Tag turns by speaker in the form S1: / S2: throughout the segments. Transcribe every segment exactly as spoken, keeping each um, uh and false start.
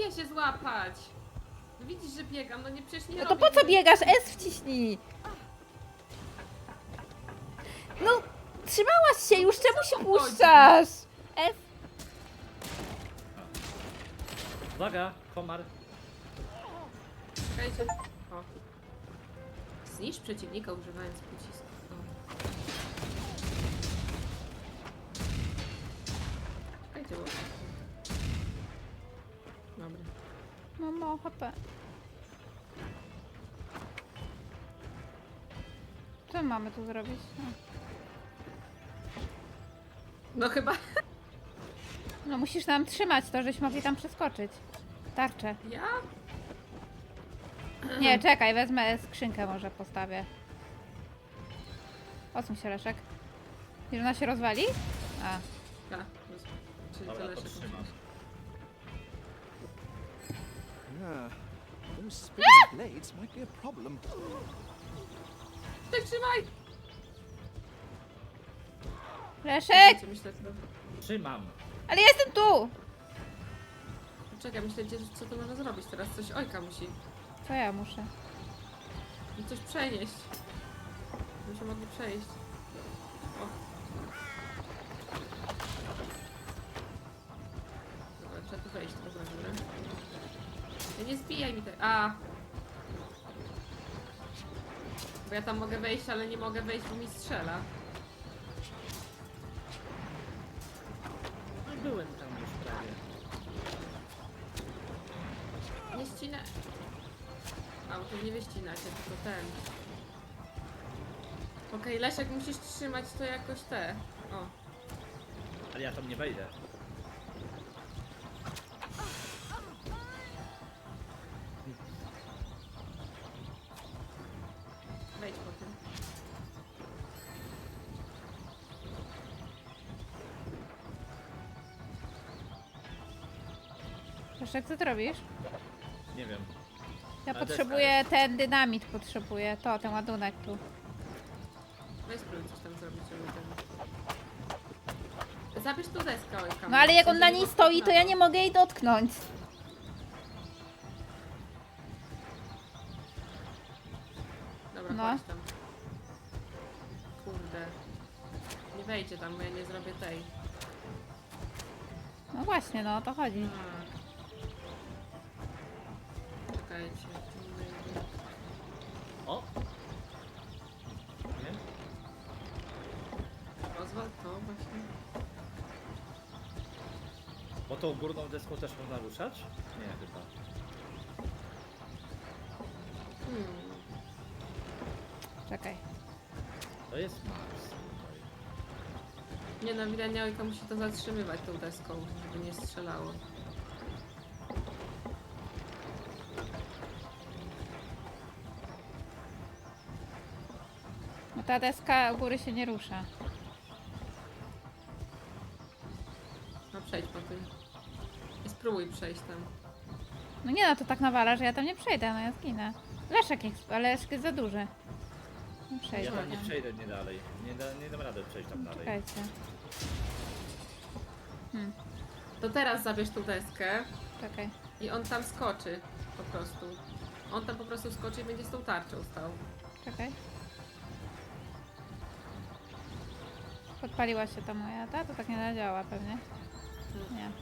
S1: umie się złapać. No widzisz, że biegam, no nie przecież nie
S2: No to
S1: robię
S2: po co
S1: nic.
S2: biegasz? S wciśnij! No, trzymałaś się już, czemu się
S1: chodzi?
S2: puszczasz? S.
S3: Uwaga, komar.
S1: Czekajcie. O. Zniszcz przeciwnika używając pocisku. O. Czekajcie, bo... Dobra.
S2: No, no, H P. Co mamy tu zrobić? No.
S1: No chyba...
S2: No musisz nam trzymać to, żeśmy mogli tam przeskoczyć. Tarczę.
S1: Ja?
S2: Nie, czekaj, wezmę skrzynkę, może postawię. Odsuń się, Leszek. Wiesz, ona się rozwali? A,
S1: Ja. Czyli
S3: Dobra,
S1: tyle się
S3: podtrzymam.
S4: Yeah, those spinning blades might be a problem.
S1: Tak, trzymaj!
S2: Leszek!
S1: Czekajcie, myślę, to...
S3: Trzymam.
S2: Ale ja jestem tu!
S1: Czekaj, myślę, że co to można zrobić teraz? Coś Ojka musi.
S2: Co ja muszę?
S1: Coś przenieść. Muszę mogli przejść. O. Dobra, trzeba tu wejść teraz na górę. Ja nie zbijaj mi tak. A! Bo ja tam mogę wejść, ale nie mogę wejść, bo mi strzela.
S3: No, byłem tam już prawie.
S1: Nie ścinę. A, bo to nie wyścinacie, tylko ten. Okej, Leszek, musisz trzymać to jakoś te. O.
S3: Ale ja tam nie wejdę.
S1: Wejdź po tym.
S2: Leszek, co ty robisz?
S3: Nie wiem.
S2: Ja
S3: Ale
S2: potrzebuję ten dynamit, potrzebuję to, ten ładunek tu.
S1: Weź spróbuj coś tam zrobić, żeby ten... Zabierz tu deskę, Ojka.
S2: No ale jak on
S1: W
S2: na
S1: sensie,
S2: niej
S1: bo-
S2: stoi, to
S1: na
S2: ja nie mogę jej dotknąć.
S1: Dobra,
S2: No.
S1: chodź tam. Kurde. Nie wejdzie tam, bo ja nie zrobię tej.
S2: No właśnie, no o to chodzi.
S1: A. Czekajcie. tu wejdę.
S3: O! Nie?
S1: Rozwal to właśnie.
S3: Bo tą górną deską też można ruszać? Nie, chyba.
S1: Hmm.
S2: Czekaj.
S3: To jest Mars. tutaj.
S1: Nie no, widać, Ojka musi to zatrzymywać tą deską, żeby nie strzelało.
S2: No ta deska u góry się nie rusza.
S1: No przejdź po tym. I spróbuj przejść tam.
S2: No nie no, to tak nawala, że ja tam nie przejdę, no ja zginę. Leszek jest, ale Leszek jest za duży. Nie
S3: Ja
S2: przejdę.
S3: tam nie przejdę nie dalej. Nie, da, nie dam rady przejść tam dalej.
S2: Czekajcie. Hmm,
S1: To teraz zabierz tą deskę
S2: czekaj.
S1: i on tam skoczy po prostu. On tam po prostu skoczy i będzie z tą tarczą stał.
S2: Czekaj. Podpaliła się ta moja, ta? To tak nie zadziała pewnie. Nie.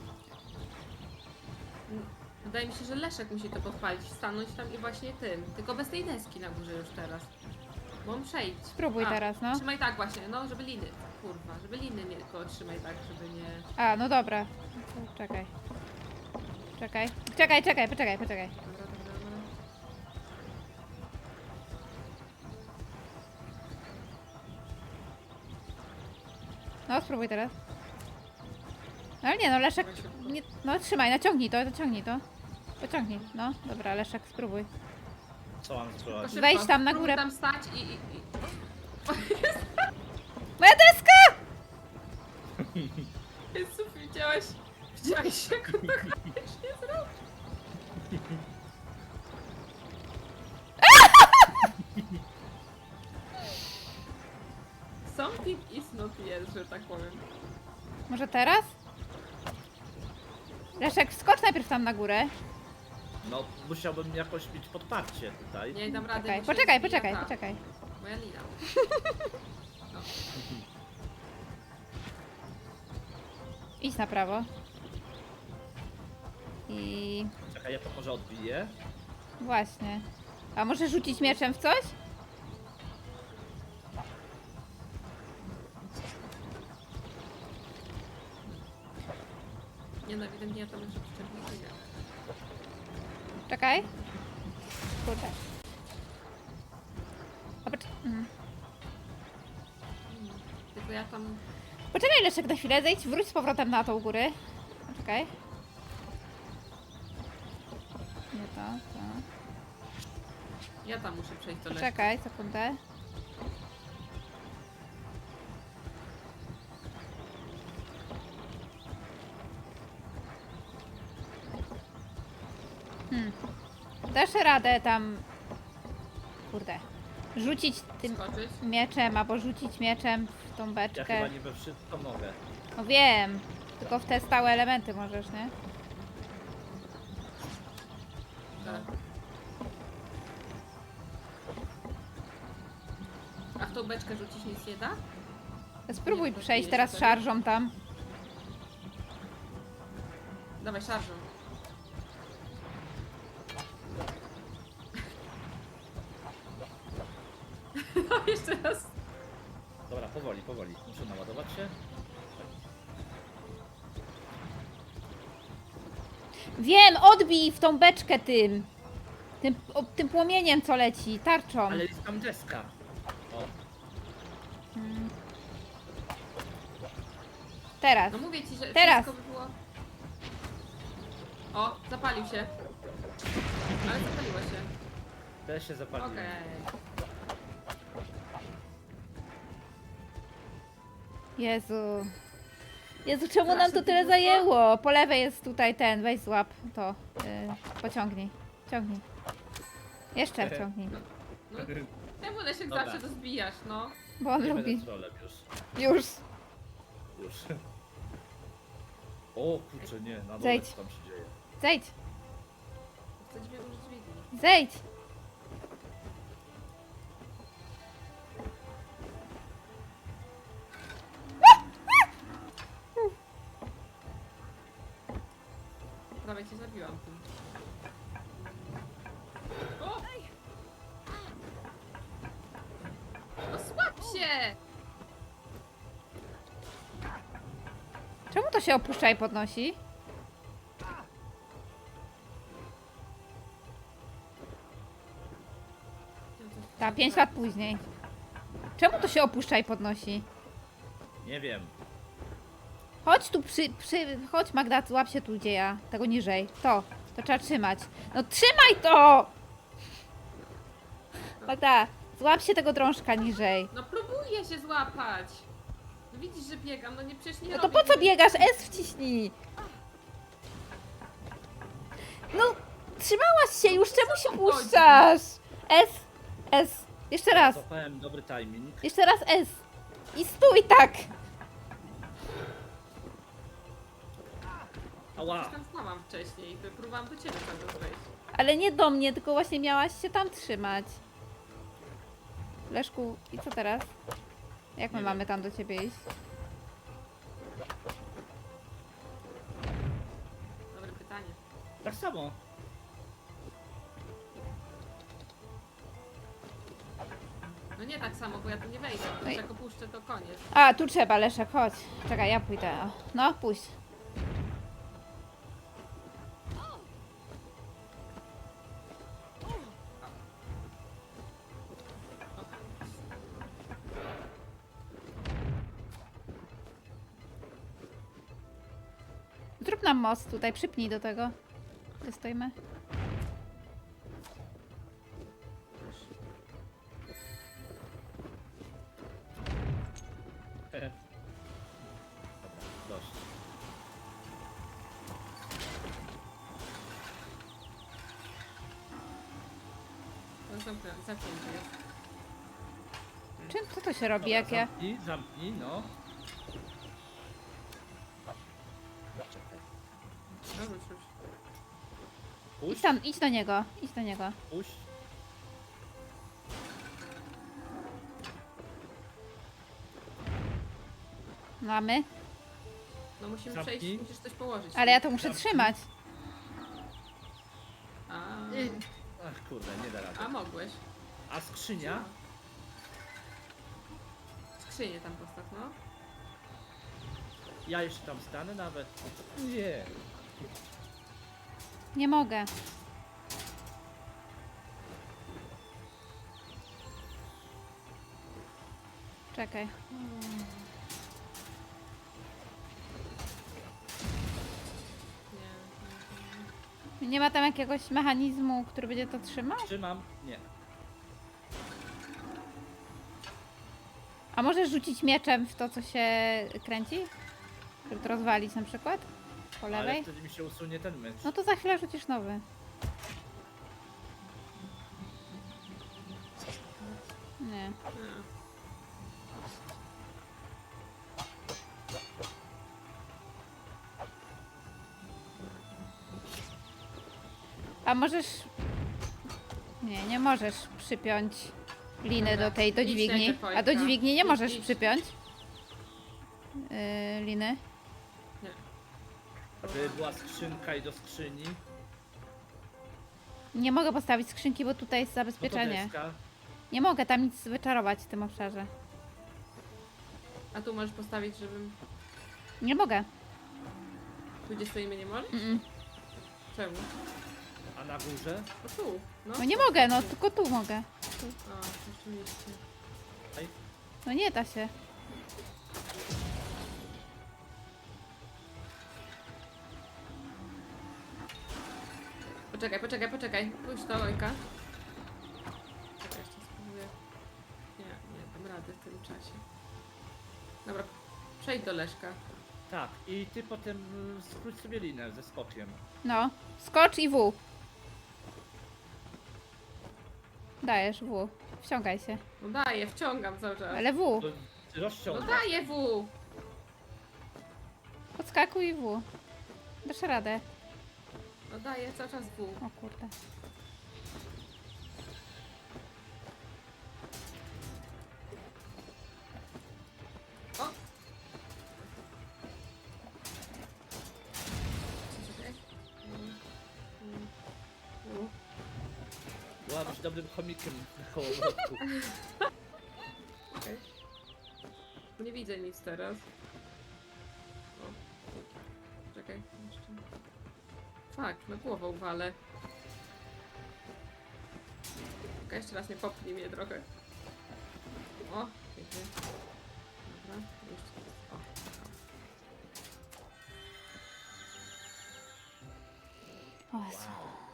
S1: Wydaje mi się, że Leszek musi to podpalić, stanąć tam i właśnie tym. Tylko bez tej deski na górze już teraz. Bo on przejdź.
S2: Spróbuj
S1: A,
S2: teraz, no.
S1: Trzymaj tak właśnie, no żeby liny. Kurwa, żeby liny nie tylko trzymaj tak, żeby nie...
S2: A, no dobra. To czekaj. Czekaj. Czekaj, czekaj, poczekaj, poczekaj.
S1: Dobra, dobra, dobra.
S2: No, spróbuj teraz. No ale nie, no Leszek, nie, no trzymaj, naciągnij to, naciągnij to. Pociągnij, no, dobra, Leszek, spróbuj.
S3: Co mam
S1: Tylko
S3: spróbować?
S1: szybko,
S2: Wejdź tam na
S1: spróbuj
S2: górę.
S1: tam stać i... i, i...
S2: Moja deska!
S1: Jezu, widziałeś? Widziałeś jak on to koniecznie zrobił? Something is not yes, że tak powiem.
S2: Może teraz? Leszek, skocz najpierw tam na górę.
S3: No, musiałbym jakoś mieć podparcie tutaj.
S1: Nie dam rady.
S2: Poczekaj,
S1: bo się
S2: poczekaj,
S1: zbija
S2: poczekaj,
S1: ta
S2: poczekaj.
S1: Moja lina. No.
S2: Idź na prawo. I
S3: Czekaj, ja to może odbiję.
S2: właśnie. A może rzucić mieczem w coś?
S1: Nie no, ewidentnie ja to muszę przyczepić.
S2: Czekaj. Kurde. A pocz mhm.
S1: Tylko ja tam...
S2: Poczekaj Leszek na chwilę, zejdź, wróć z powrotem na tą górę. Czekaj. Nie to, to.
S1: Ja tam muszę przejść do lewej.
S2: Czekaj, sekundę. Hmm. Dasz radę tam... Kurde. Rzucić tym
S1: Skoczyć.
S2: mieczem, albo rzucić mieczem w tą
S3: Ja
S2: beczkę.
S3: chyba nie we wszystko mogę.
S2: No wiem. Tylko w te stałe elementy możesz, nie?
S1: Tak. A w tą beczkę rzucić nic nie da?
S2: Spróbuj
S1: Nie, to
S2: przejść
S1: jest
S2: teraz
S1: wtedy.
S2: szarżą tam.
S1: Dawaj, szarżą. No, jeszcze raz.
S3: Dobra, powoli, powoli. Muszę naładować się.
S2: Wiem, odbij w tą beczkę tym. Tym, o, tym płomieniem, co leci, tarczą.
S3: Ale jest tam deska. O,
S2: Hmm. Teraz.
S1: No mówię ci, że
S2: Teraz.
S1: wszystko by było... O, zapalił się. Ale zapaliło się.
S3: też się zapaliłem.
S1: Okej.
S2: Jezu. Jezu, czemu nam
S1: Strasznie
S2: to tyle
S1: długo.
S2: zajęło? Po lewej jest tutaj ten, weź złap to. Yy, pociągnij. Ciągnij. Jeszcze wciągnij.
S1: No, czemu Leszek
S3: Dobra.
S1: zawsze to zbijasz, no?
S2: Bo on
S3: Nie
S2: lubi.
S3: będę trolem już.
S2: Już.
S3: Już. O kurczę, nie, na dole
S2: Zejdź.
S3: co tam się dzieje.
S2: Zejdź.
S1: Chcę dźwięk użyć dźwigni.
S2: Zejdź.
S1: Prawie cię zabiłam tym. O! Osłab się!
S2: Czemu to się opuszcza i podnosi? Ta, pięć lat później. Czemu to się opuszcza i podnosi?
S3: Nie wiem.
S2: Chodź tu przy, przy... Chodź Magda, złap się tu gdzie ja. Tego niżej. To. To trzeba trzymać. No trzymaj to! Magda, złap się tego drążka niżej.
S1: No próbuję się złapać. No widzisz, że biegam, no nie przecież nie
S2: No to
S1: robię
S2: po co
S1: nic.
S2: biegasz? S wciśnij. No, trzymałaś się już, czemu się puszczasz? S, S. Jeszcze raz.
S3: Złapałem dobry timing.
S2: Jeszcze raz S. I stój tak.
S3: Ała!
S1: Już tam stałam wcześniej, to próbowałam do ciebie cały czas wejść.
S2: Ale nie do mnie, tylko właśnie miałaś się tam trzymać. Leszku, i co teraz? Jak my
S3: Nie
S2: mamy
S3: wiem.
S2: tam do ciebie iść?
S1: Dobre pytanie.
S3: Tak samo.
S1: No nie tak samo, bo ja tu nie wejdę.
S2: Ej.
S1: Jak opuszczę, to koniec.
S2: A, tu trzeba, Leszek, chodź. Czekaj, ja pójdę. O. No, pójdź. Zrób nam most tutaj, przypnij do tego. Gdzie stoimy?
S3: Dobra, dość.
S1: No zamknę- zamknięty jest.
S2: Czym, co to się robi,
S3: Dobra,
S2: jak ja...
S3: zamknij, zamknij, no.
S1: No rzuć, rzuć.
S2: Idź
S3: Puść,
S2: tam, idź do niego, idź do niego.
S3: puść.
S2: Mamy.
S1: No musimy
S3: Zamknij.
S1: przejść, musisz coś położyć.
S2: Ale ja to muszę
S3: Zamknij.
S2: trzymać.
S1: A,
S3: Ach kurde, nie da rady.
S1: a mogłeś.
S3: A skrzynia?
S1: Skrzynię tam postaw, no.
S3: Ja jeszcze tam stanę nawet. Nie.
S2: Nie mogę. Czekaj.
S1: Nie, nie,
S2: Nie ma tam jakiegoś mechanizmu, który będzie to trzymał?
S3: Trzymam? Nie.
S2: A możesz rzucić mieczem w to, co się kręci? Żeby to rozwalić na przykład? Po
S3: Ale
S2: lewej?
S3: wtedy mi się usunie ten mecz.
S2: No to za chwilę rzucisz nowy. Nie.
S1: nie.
S2: A możesz... Nie, nie możesz przypiąć liny
S1: Dobra,
S2: do tej, do
S1: idź
S2: dźwigni.
S1: najpierw,
S2: A do
S1: Wojtka.
S2: dźwigni nie
S1: Idź,
S2: możesz
S1: idź.
S2: przypiąć yy, liny.
S1: Nie.
S3: Żeby była skrzynka i do skrzyni.
S2: Nie mogę postawić skrzynki, bo tutaj jest
S3: No to
S2: zabezpieczenie.
S3: deska.
S2: Nie mogę tam nic wyczarować w tym obszarze.
S1: A tu możesz postawić, żebym...
S2: Nie mogę.
S1: Tu gdzie stoimy nie możesz?
S2: Mm-mm.
S1: Czemu?
S3: A na górze?
S1: No tu. No,
S2: No nie mogę, no tylko tu mogę.
S1: A, rzeczywiście.
S3: Aj.
S2: No nie da się.
S1: Poczekaj, poczekaj, poczekaj. Pójdź to, Ojka. Czekaj, jeszcze spróbuję. Nie, nie, dam radę w tym czasie. Dobra, przejdź do Leszka.
S3: Tak. I ty potem y, skróć sobie linę ze skokiem.
S2: No. Skocz i W. Dajesz W. Wciągaj się.
S1: No daję, wciągam cały czas.
S2: Ale W.
S3: To
S1: No
S3: rozciągaj.
S1: daję W!
S2: Podskakuj i W. Dasz radę.
S1: No daję cały czas W.
S2: O kurde.
S1: O! Czekaj. Mm, mm, mm.
S3: Była być dobrym chomikiem na kołowrotku.
S1: Okej. Nie widzę nic teraz. O. Czekaj, jeszcze. Fak, na głową walę. Czekaj, jeszcze raz nie popnij mnie trochę. O, pięknie. Dobra, jeszcze raz. O,
S2: O Jezu.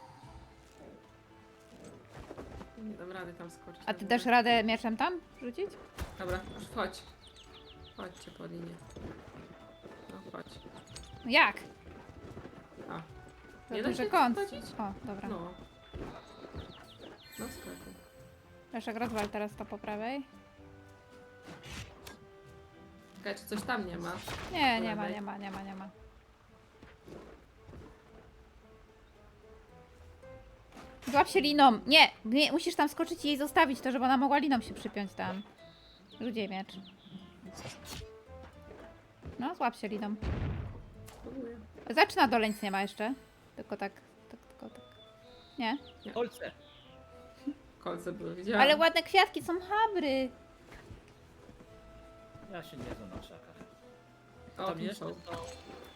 S1: o. Nie dam rady tam skoczyć.
S2: A ty
S1: Dobra.
S2: dasz radę mieczem tam rzucić?
S1: Dobra, już chodź. Chodźcie po linię. No, chodź.
S2: No jak?
S1: A,
S2: Za
S1: Nie da
S2: duży
S1: się
S2: kąt.
S1: wchodzić?
S2: O, dobra.
S1: no. No, skakuj.
S2: Leszek, rozwal teraz to po prawej.
S1: Czekaj, czy coś tam nie ma?
S2: Nie,
S1: Po
S2: nie ma,
S1: lewej.
S2: nie ma, nie ma, nie ma. Złap się liną. Nie, nie, musisz tam skoczyć i jej zostawić to, żeby ona mogła liną się przypiąć tam. Ludzie miecz. No, złap się liną.
S1: Próbuję.
S2: Zaczyna dole nic nie ma jeszcze. Tylko tak, tak, tylko tak. Nie.
S3: Kolce.
S1: Kolce były, widziałam.
S2: Ale ładne kwiatki, są habry.
S3: Ja się nie znam na krzakach.
S1: O,
S3: Tam
S1: tu
S3: jeszcze
S1: są.
S3: to...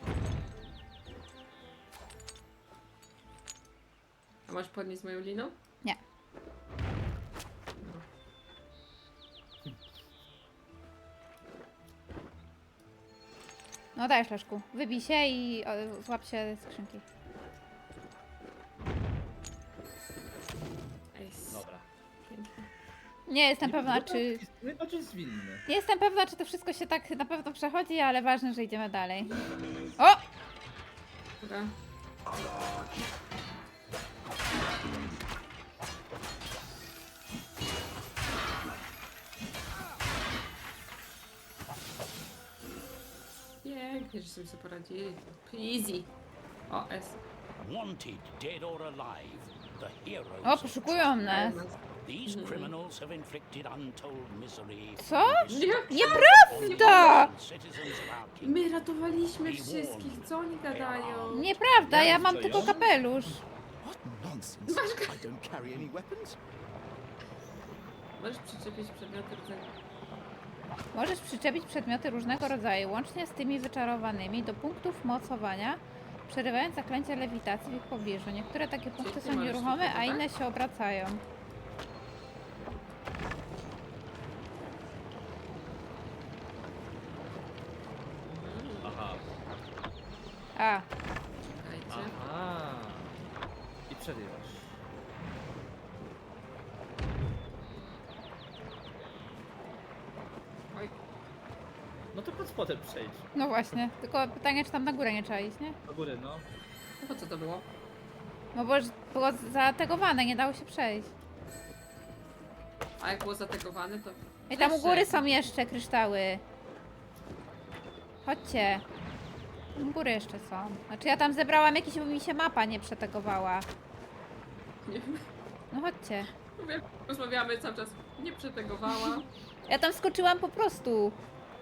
S1: A masz podnieść moją liną?
S2: Nie.
S1: No.
S2: No dajesz, Leszku. Wybij się i o, złap się skrzynki.
S1: Ej,
S3: Dobra.
S1: pięknie.
S2: Nie jestem
S3: Nie
S2: pewna,
S3: wygląda
S2: czy...
S3: taki- Nie bardziej zwinny.
S2: Nie jestem pewna, czy to wszystko się tak na pewno przechodzi, ale ważne, że idziemy dalej. O!
S1: Dobra. Pięknie, że sobie sobie poradzili. Easy. O, S.
S5: Wanted, dead or alive, the heroes
S2: O,
S5: of
S2: poszukują nas.
S5: These criminals have inflicted untold misery.
S2: Co?
S5: and
S1: Nie.
S5: destruction
S2: Nieprawda!
S5: on citizens of our kingdom.
S1: My ratowaliśmy wszystkich, co oni gadają?
S2: Nieprawda, ja mam
S3: Co,
S2: tylko
S3: ja?
S2: kapelusz.
S4: What nonsense! I don't carry any weapons.
S1: Możesz przyczepić przedmioty rodzaju.
S2: Możesz przyczepić przedmioty różnego rodzaju, łącznie z tymi wyczarowanymi, do punktów mocowania, przerywając zaklęcia lewitacji w ich pobliżu. Niektóre takie punkty
S1: ty
S2: są
S1: możesz
S2: nieruchome,
S1: tylko,
S2: a
S1: tak?
S2: inne się obracają.
S3: Aha.
S2: A,
S1: Czekajcie.
S3: Aha. I przerywasz.
S1: Oj,
S3: No to pod spodem przejdź.
S2: no właśnie. Tylko pytanie, czy tam na górę nie trzeba iść, nie?
S3: Do góry, no.
S1: no po co to było?
S2: No bo już było zategowane, nie dało się przejść.
S1: A jak było zategowane, to...
S2: I tam u góry
S1: Przeszedł.
S2: są jeszcze kryształy. Chodźcie. U góry jeszcze są. Znaczy ja tam zebrałam jakieś, bo mi się mapa nie przetegowała.
S1: Nie wiem,
S2: No chodźcie.
S1: mówię, rozmawiamy cały czas. Nie przetegowała.
S2: Ja tam skoczyłam po prostu.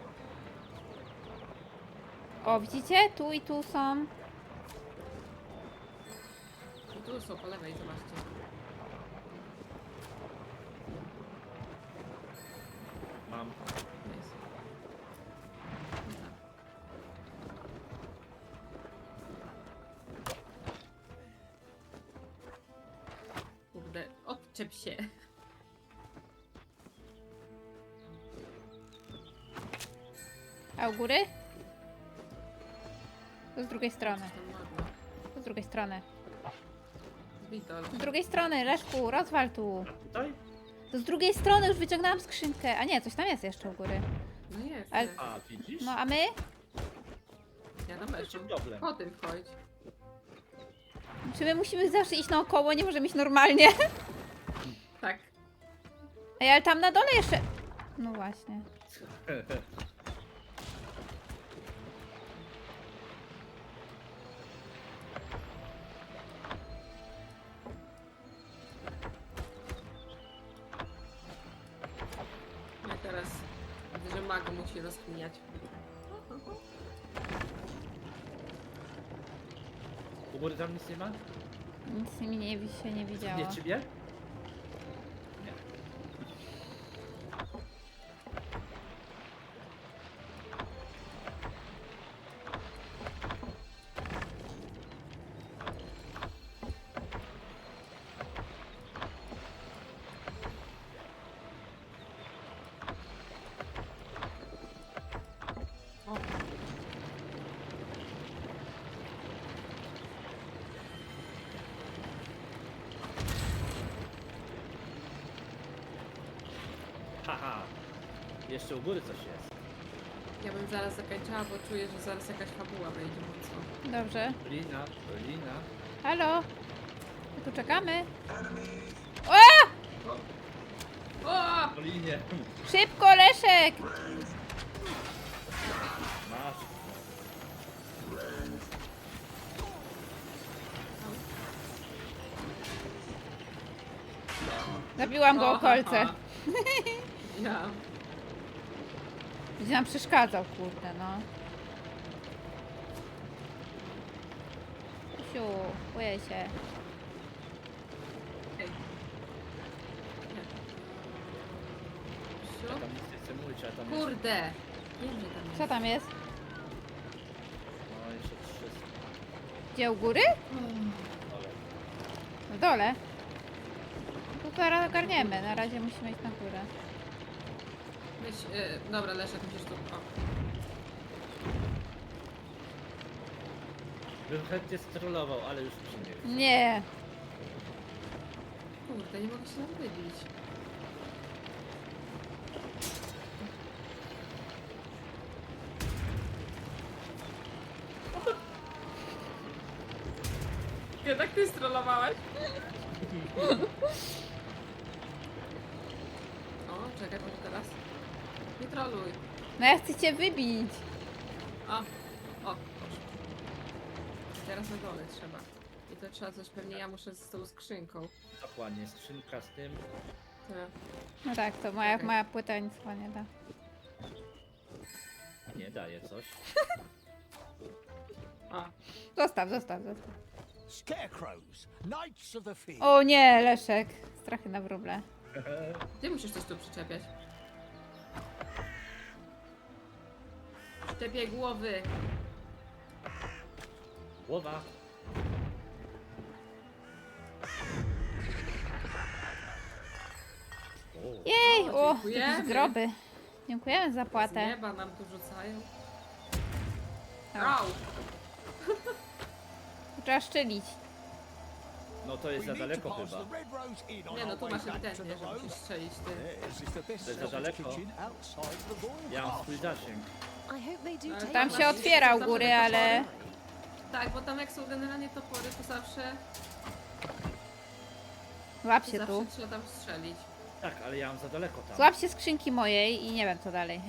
S2: O, widzicie? Tu i tu są.
S1: I tu są po lewej, zobaczcie.
S3: Mam.
S1: Jest. Kurde, odczep się.
S2: A u góry? To z drugiej strony.
S1: Coś tam ładne.
S2: To z drugiej strony.
S1: Witol.
S2: Z drugiej strony, Leszku, rozwal tu.
S3: A tutaj?
S2: To z drugiej strony już wyciągnęłam skrzynkę. A nie, coś tam jest jeszcze u góry.
S1: No jest,
S2: Ale-
S1: jest.
S3: A, widzisz?
S2: No a my?
S1: Ja tam
S3: To
S1: weszłam.
S3: problem.
S1: Po tym wchodź.
S2: Czy my musimy zawsze iść naokoło? Nie możemy iść normalnie?
S1: Tak.
S2: Ej, ale tam na dole jeszcze... No właśnie.
S1: No i teraz widzę, że mag musi rozkminiać.
S3: U góry tam nic nie ma?
S2: Nic mi nie, się nie widziało.
S3: Nie ciebie? Nie.
S1: O,
S3: Haha. Jeszcze u góry coś jest.
S1: ja bym zaraz zakończyła, bo czuję, że zaraz jakaś fabuła wejdzie mocno.
S2: Dobrze.
S3: Lina, lina.
S2: Halo? My tu czekamy. O!
S1: O!
S3: Po linie.
S2: Szybko, Leszek!
S3: Masz.
S2: Zabiłam go o kolce.
S1: ha, ha. Ja.
S2: Będzie nam przeszkadzał, kurde, no. Siu, boję się.
S1: Ej. Nie.
S3: Ja
S1: Siu?
S3: tam nic nie chcę mówić, ale tam jest...
S1: Kurde! Wiem, że tam jest.
S2: Co tam jest?
S3: No jeszcze trzy.
S2: Gdzie u góry?
S3: Ale...
S2: W dole. No to zaraz ogarniemy, na razie musimy iść na górę.
S1: Weź, y, dobra, Leszek, musisz tu... O.
S3: Bym chętnie strollował, ale już mi się nie chce.
S2: Nie.
S1: Kurde, nie mogę się tam wybić. Jednak ty strollowałeś? O, czekaj, może teraz. Nie troluj.
S2: No ja chcę cię wybić.
S1: O, o, proszę. Teraz na dole trzeba. I to trzeba coś, pewnie ja muszę z tą skrzynką.
S3: Dokładnie, skrzynka z tym.
S1: Tak.
S2: No tak, to moja,
S1: Okej.
S2: moja płyta nic chyba nie da.
S3: Nie, daje coś.
S1: A,
S2: Zostaw, zostaw, zostaw.
S5: Scarecrows, Knights of the Field.
S2: O nie, Leszek. Strachy na wróble.
S1: ty musisz coś tu przyczepiać. Przyczepiaj głowy.
S3: Głowa. O,
S2: Jej,
S1: O,
S2: o,
S1: dziękujemy.
S2: jakieś zdroby. Dziękujemy za
S1: Z
S2: płatę.
S1: nieba nam tu rzucają.
S2: Au.
S1: Au!
S2: Trzeba szczelić.
S3: no to jest
S5: We
S3: za
S5: need to
S3: daleko
S5: pass
S3: chyba.
S5: the Red Rose Inn on
S1: Nie no,
S5: our
S1: tu
S5: way
S1: masz
S5: back to the
S1: ewidentnie, że
S5: road.
S1: musisz strzelić ty.
S4: This is the best
S3: To jest za
S4: selling
S3: daleko.
S4: kitchen outside the royal
S3: Ja mam
S4: castle.
S3: swój zasięg.
S6: I hope they do
S1: Ale
S6: take
S2: Tam
S6: us.
S2: się otwiera u góry, ale...
S1: Tak, bo tam jak są generalnie topory, to zawsze,
S2: Złap się
S1: zawsze
S2: tu.
S1: trzeba tam strzelić.
S3: Tak, ale ja mam za daleko tam.
S2: Złap się skrzynki mojej i nie wiem co dalej.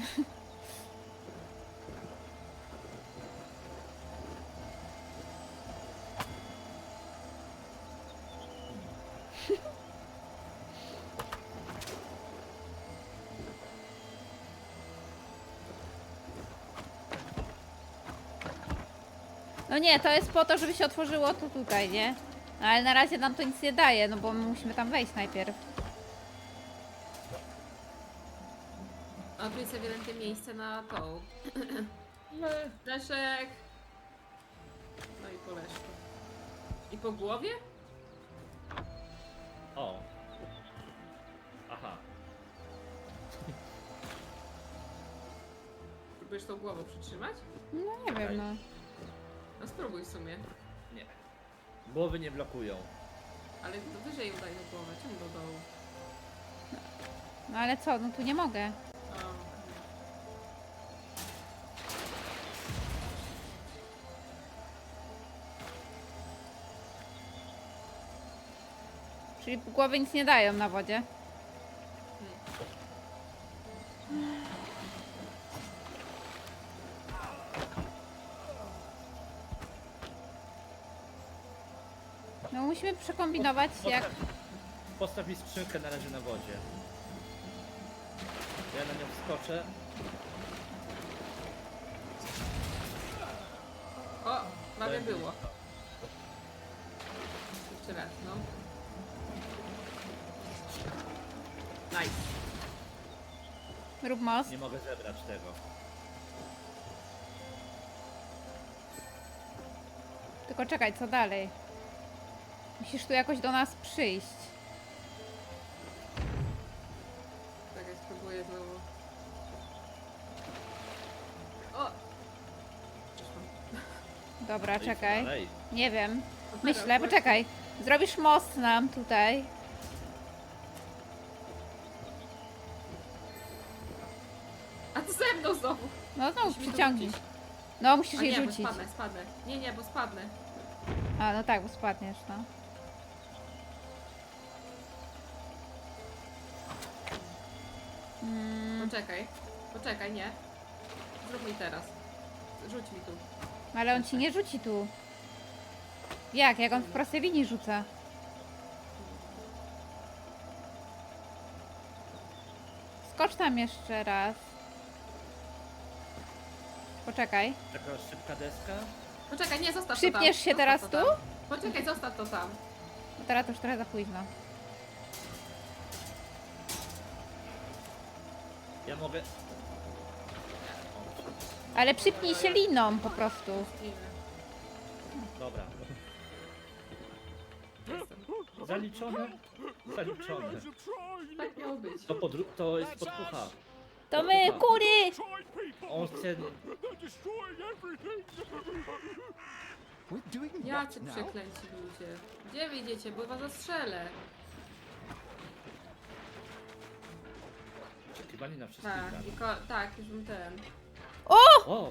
S2: No nie, to jest po to, żeby się otworzyło to tutaj, nie? No ale na razie nam to nic nie daje, no bo my musimy tam wejść najpierw.
S1: A tu jest ewidentnie miejsce na tą. Leszek! No i po Leszku. I po głowie?
S3: O. Aha.
S1: Próbujesz tą głową przytrzymać?
S2: No nie wiem, no.
S1: No spróbuj w sumie.
S3: Nie. Głowy nie blokują.
S1: Ale to wyżej udaj na głowę, czemu do dołu?
S2: No ale co, no tu nie mogę.
S1: O, okej.
S2: Czyli głowy nic nie dają na wodzie. No musimy przekombinować jak...
S3: Postaw, postaw mi skrzynkę na razie na wodzie. Ja na nią wskoczę.
S1: O, prawie
S3: Będzie.
S1: było. Jeszcze raz, no. Nice.
S2: Rób most.
S3: Nie mogę zebrać tego.
S2: Tylko czekaj, co dalej? Musisz tu jakoś do nas przyjść.
S1: Czekaj, spróbuję znowu. O! Przyszłam.
S2: Dobra,
S3: No i co
S2: czekaj.
S3: dalej?
S2: Nie wiem.
S1: No
S2: Myślę,
S1: teraz
S2: poczekaj. Zrobisz most nam tutaj.
S1: A ty ze mną znowu!
S2: No znowu
S1: Musimy to
S2: przyciągnij.
S1: rzucić.
S2: No musisz
S1: A
S2: jej
S1: nie, bo
S2: rzucić.
S1: spadnę, spadnę. Nie, nie, bo spadnę.
S2: A, no tak, bo spadniesz, no. Mm,
S1: Poczekaj. Poczekaj, nie. Zrób mi teraz. Rzuć mi tu.
S2: ale on ci nie rzuci tu. Jak? Jak on w prostej linii rzuca? Skocz tam jeszcze raz. Poczekaj.
S3: Taka szybka deska.
S1: Poczekaj, nie, zostaw
S2: Przypniesz
S1: to tam.
S2: się
S1: Zostaw
S2: teraz
S1: to
S2: tu?
S1: tam. Poczekaj, zostaw to tam.
S2: Bo teraz to już trochę za późno.
S3: Ja mogę...
S2: Ale przypnij się liną po prostu.
S1: Nie.
S3: Dobra.
S1: Jestem.
S3: Zaliczone? Zaliczone.
S1: Tak miało być.
S3: To, podru- to jest podpucha.
S2: To my, kury!
S3: On chce...
S4: We're doing
S1: Jacy
S4: what now?
S1: przeklęci ludzie. Gdzie wyjdziecie? Bo was zastrzelę.
S3: Oczekiwanie na wszystkich
S1: Tak,
S3: graczy.
S1: i ko- tak, już bym ten.
S3: O!
S1: O!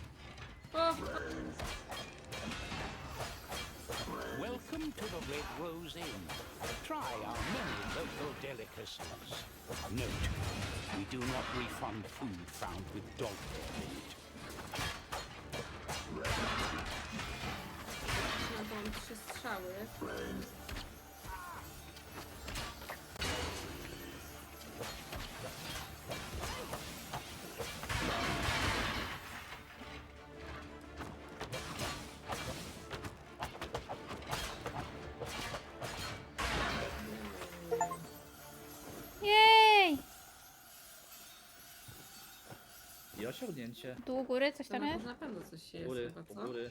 S5: Welcome to the Red Rose Inn. Try our many local delicacies. Note, we do not refund food found with dog hair in it.
S1: No to mam trzy strzały. strzały.
S2: Jej!
S3: I osiągnięcie.
S2: Tu u góry coś
S1: To
S2: tam
S1: na,
S2: jest?
S1: na pewno coś jest
S3: Góry,
S1: chyba,
S3: u
S1: co?
S3: góry.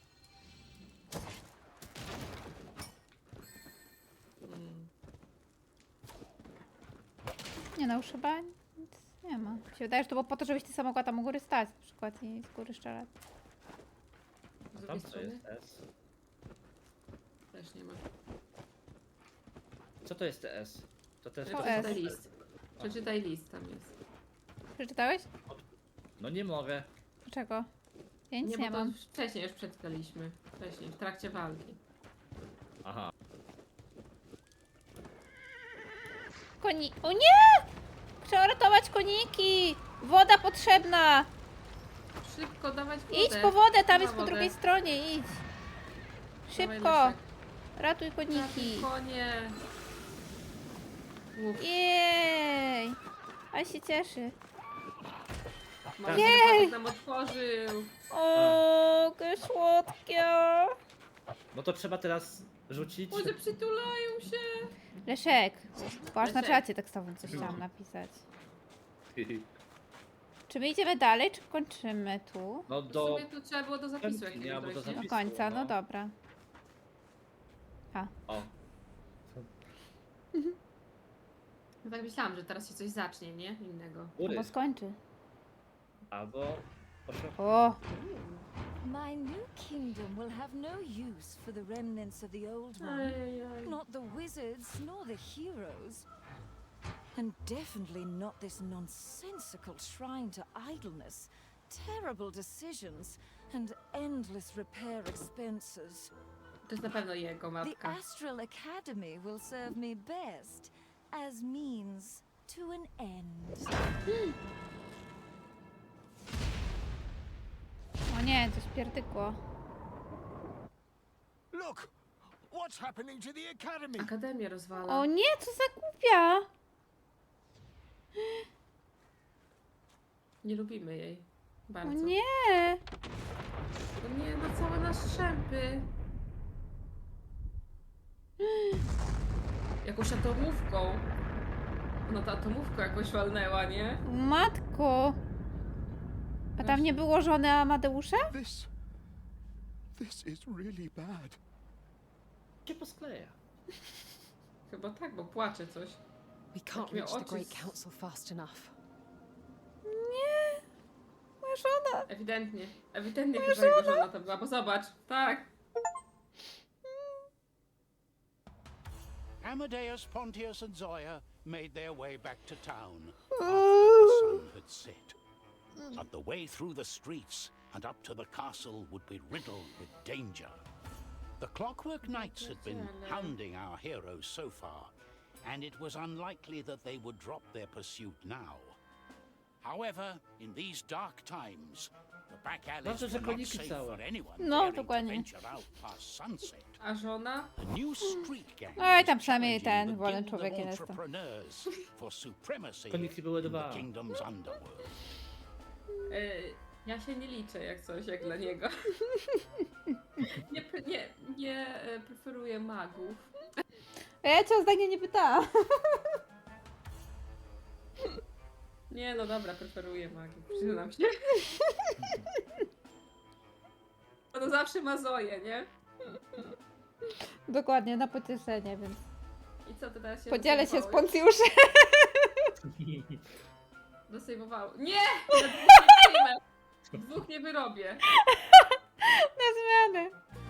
S1: Mm.
S2: Nie no, już chyba nic nie ma. Mi się wydaje, że to było po to, żebyś ty sama mogła tam u góry stać na przykład i z góry strzelać.
S1: Z drugiej
S3: Tam co
S1: strony
S3: jest S?
S1: też nie ma.
S3: Co to jest T S? To też
S2: To
S3: to
S2: S.
S1: Przeczytaj list. Przeczytaj list, tam jest.
S2: Przeczytałeś?
S3: No nie mogę.
S2: Dlaczego? Ja nic
S1: Nie,
S2: nie,
S1: bo to
S2: mam.
S1: wcześniej już przeczytaliśmy. Wcześniej, w trakcie walki.
S3: Aha.
S2: Koni... O nie! Trzeba ratować koniki! Woda potrzebna!
S1: Szybko dawać wodę.
S2: Idź po wodę, tam
S1: Na
S2: jest po
S1: wodę.
S2: drugiej stronie, idź!
S1: Dawaj,
S2: Szybko!
S1: Leszek.
S2: Ratuj koniki!
S1: Konie. Uf,
S2: Jej! Ale się cieszy.
S1: Marcel
S2: Jej!
S1: Patek nam otworzył.
S2: O, jakie słodkie!
S3: No to trzeba teraz rzucić.
S1: Ludzie przytulają się.
S2: Leszek, patrz na
S1: Leszek.
S2: czacie tekstowym coś chciałam napisać. Czy my idziemy dalej, czy kończymy tu?
S3: No
S1: W
S3: do...
S1: sumie tu trzeba było do zapisu
S3: Chętnie,
S1: jakiegoś
S3: albo do
S1: dojść, nie?
S2: Do
S3: zapisu.
S2: końca, no
S3: no.
S2: dobra.
S3: O.
S1: No tak myślałam, że teraz się coś zacznie, nie? Innego.
S3: Góry.
S2: Albo skończy.
S3: Albo... osiąg-
S2: O!
S6: My new kingdom will have no use for the remnants of the old one.
S1: Ajajaj.
S6: Not the wizards, nor the heroes. And definitely not this nonsensical shrine to idleness, terrible decisions, and endless repair expenses.
S1: To jest na pewno jego
S6: The
S1: matka.
S6: Astral Academy will serve me best as means to an end.
S2: O nie, coś pierdykło.
S7: Look! What's happening to the academy?
S1: Akademię rozwala.
S2: O nie, co za głupia!
S1: Nie lubimy jej.
S2: O
S1: Bardzo.
S2: nie!
S1: O nie, no całe na strzępy. Jakąś atomówką. No ta atomówka jakoś walnęła, nie?
S2: Matko! A tam nie było żony Amadeusza?
S4: This. This is really bad.
S3: się poskleja.
S1: Chyba tak, bo płacze coś.
S8: We can't
S1: miał
S8: reach the
S1: oczy
S8: Great
S1: z-
S8: Council fast enough.
S2: Nie! Moja żona!
S1: Ewidentnie. Ewidentnie chyba jego żona to była, bo zobacz. Tak.
S5: Amadeus, Pontius, and Zoya made their way back to town after the sun had set. But the way through the streets and up to the castle would be riddled with danger. The Clockwork Knights had been hounding our heroes so far, and it was unlikely that they would drop their pursuit now. However, in these dark times, the back alleys
S3: Dobrze, że
S5: were not
S3: koniki
S5: safe
S3: całe.
S5: for anyone
S2: No,
S5: daring to
S2: dokładnie.
S5: venture out past sunset.
S1: A żona?
S5: A new street gang
S2: Oj, tam
S5: was
S2: przynajmniej
S5: challenging
S2: ten
S5: the
S2: wolny
S5: Guild
S2: człowiek
S5: of
S2: jest.
S5: Entrepreneurs for supremacy
S3: Koniki były
S5: in
S3: dwa.
S5: the kingdom's underworld.
S1: Yy, ja się nie liczę jak coś, jak dla niego. nie, pre- nie, nie e, preferuję magów.
S2: A ja cię o zdanie nie pytałam.
S1: Nie, no dobra, preferuję magów, przyznam się. No zawsze ma Zoję, nie?
S2: Dokładnie, na pocieszenie, więc
S1: I co, ty teraz się
S2: podzielę się z
S1: dosejmowałeś?
S2: Poncjuszem.
S1: Dosejmowało. Nie! Ja dwóch nie przyjmę. Dwóch nie wyrobię.
S2: Na zmianę.